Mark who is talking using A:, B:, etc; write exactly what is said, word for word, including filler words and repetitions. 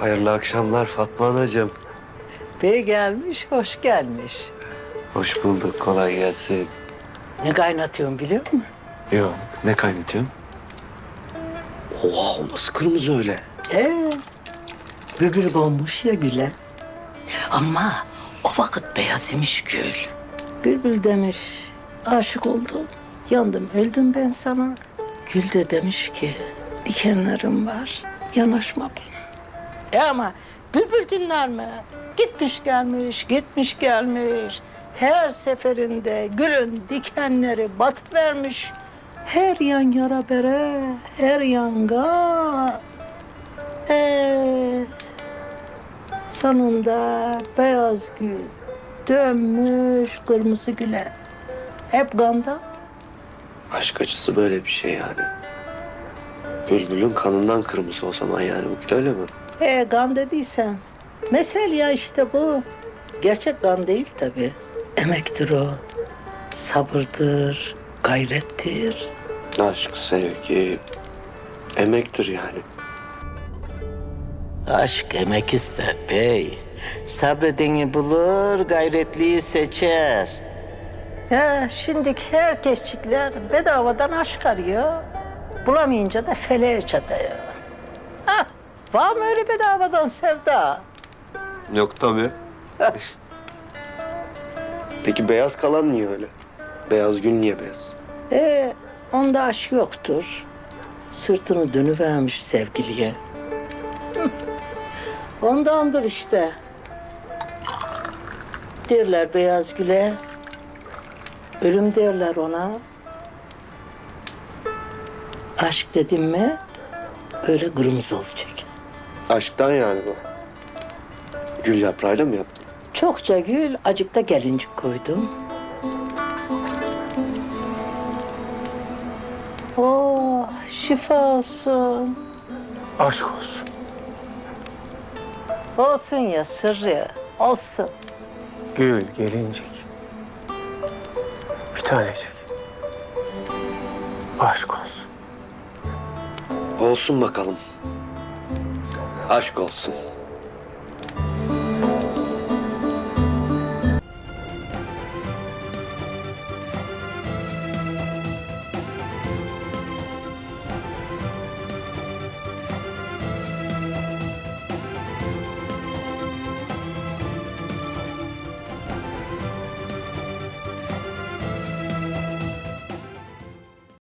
A: Hayırlı akşamlar Fatma Anacığım.
B: Bey gelmiş, hoş gelmiş.
A: Hoş bulduk, kolay gelsin.
B: Ne kaynatıyorsun biliyor musun?
A: Yok, ne kaynatıyorsun? Oha, o nasıl kırmızı öyle?
B: Ee, bülbül konmuş ya güle. Ama o vakit beyaz imiş gül. Bülbül demiş, aşık oldum, yandım, öldüm ben sana. Gül de demiş ki, dikenlerim var, yanaşma bana. E ama bülbül dinler mi? Gitmiş gelmiş, gitmiş gelmiş. Her seferinde gülün dikenleri batıvermiş. Her yan yara bere, her yanga. Ee, sonunda beyaz gül dönmüş kırmızı güle. Hep ganda.
A: Aşk acısı böyle bir şey yani. Bülbülün kanından kırmızı o zaman yani, bu gül öyle mi?
B: He gan dediysen. Mesel ya işte bu. Gerçek gan değil tabii. Emektir o. Sabırdır, gayrettir.
A: Aşk, sevgi, emektir yani.
B: Aşk emek ister bey. Sabredeni bulur, gayretliyi seçer. Ya şimdi herkesçikler bedavadan aşk arıyor. Bulamayınca da feleğe çatıyor. Ha, var mı öyle bedavadan sevda?
A: Yok tabii. Peki beyaz kalan niye öyle? Beyaz gül niye beyaz?
B: Ee, onda aşk yoktur. Sırtını dönüvermiş sevgiliye. Hı, ondandır işte. Derler beyaz güle. Ölüm derler ona. Aşk dedim mi böyle kırmızı olacak.
A: Aşktan yani bu. Gül yaprağıyla mı yaptın?
B: Çokça gül, acık da gelincik koydum. Oh, şifa olsun.
A: Aşk olsun.
B: Olsun ya sırrı, olsun.
C: Gül, gelincik. Bir tanecik. Aşk olsun.
A: Olsun bakalım. Aşk olsun.